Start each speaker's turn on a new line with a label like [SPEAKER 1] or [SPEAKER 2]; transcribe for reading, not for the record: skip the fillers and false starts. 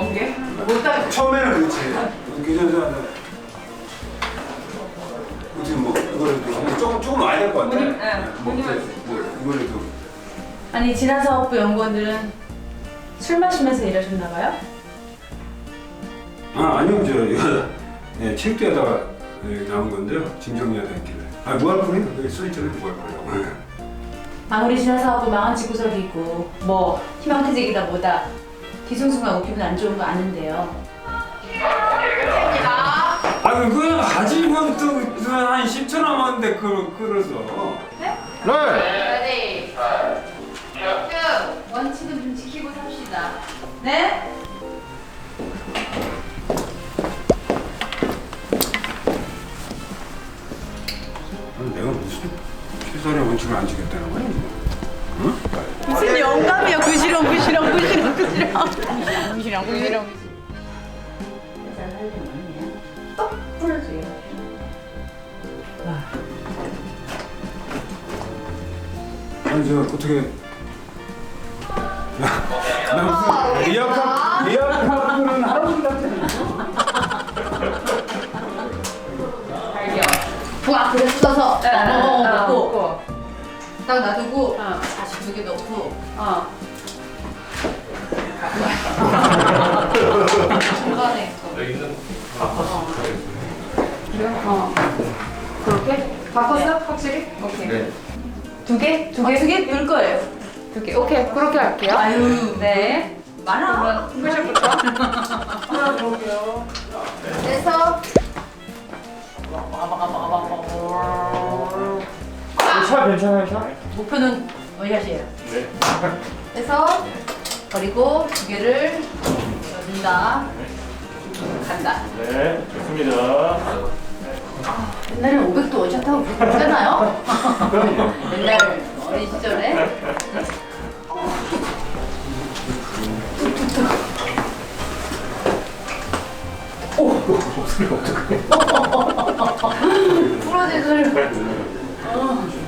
[SPEAKER 1] 먼 게? 못하겠어.
[SPEAKER 2] 처음에는 그렇지. 교전사는 어떻게 뭐 이거라도 조금 와야 될 것 같아.
[SPEAKER 1] 문님, 네,
[SPEAKER 2] 뭐 이거라도.
[SPEAKER 3] 아니 지난 사업부 연구원들은 술 마시면서 일하셨나 봐요?
[SPEAKER 2] 아니요 이거 예, 체육대에다가 나온 건데요. 짐 정리하다 했길래. 무알콜이 여기 써있잖아요. 무알콜이라고.
[SPEAKER 3] 아무리 지난 사업부 망한 집구석이고 뭐 희망퇴직이다 뭐다 뒤숭숭하고 기분 안 좋은 거 아는데요.
[SPEAKER 2] 그거 가지고 또한 10초 남았는데 그걸 끌어서.
[SPEAKER 3] 네.
[SPEAKER 4] 레디.
[SPEAKER 3] 원칙은 좀 지키고 삽시다. 네?
[SPEAKER 2] 내가 무슨 최선의 원칙을 안 지켰다는 거야? 응?
[SPEAKER 4] 무슨 영감이야. 구시렁.
[SPEAKER 3] 똑 부러져요.
[SPEAKER 2] 아니 저 어떻게 나 무슨 리아카는 할아버지 같아.
[SPEAKER 3] 부악 그래 뜯어서 넣고
[SPEAKER 1] 먹고.
[SPEAKER 3] 딱 놔두고 다시 2개 넣고 중간에
[SPEAKER 1] 그렇게? 바꿨어? 확실히? 오케이.
[SPEAKER 5] 네.
[SPEAKER 1] 두 개? 두 개?
[SPEAKER 3] 2개 넣을 거예요.
[SPEAKER 1] 두 개. 오케이. 그렇게 할게요.
[SPEAKER 3] 아유
[SPEAKER 1] 네.
[SPEAKER 3] 많아.
[SPEAKER 1] 그러면 후식부터.
[SPEAKER 3] 그래서
[SPEAKER 5] 차 괜찮아요, 차?
[SPEAKER 3] 목표는 원샷이에요.
[SPEAKER 5] 네.
[SPEAKER 3] 그래서 버리고 2개를 넣는다. 간다.
[SPEAKER 5] 네, 좋습니다.
[SPEAKER 3] 옛날에 500도 원샷하고 그랬잖아요. 옛날 어린 시절에.
[SPEAKER 5] 목소리가 어떡해.
[SPEAKER 3] 부러진 소리.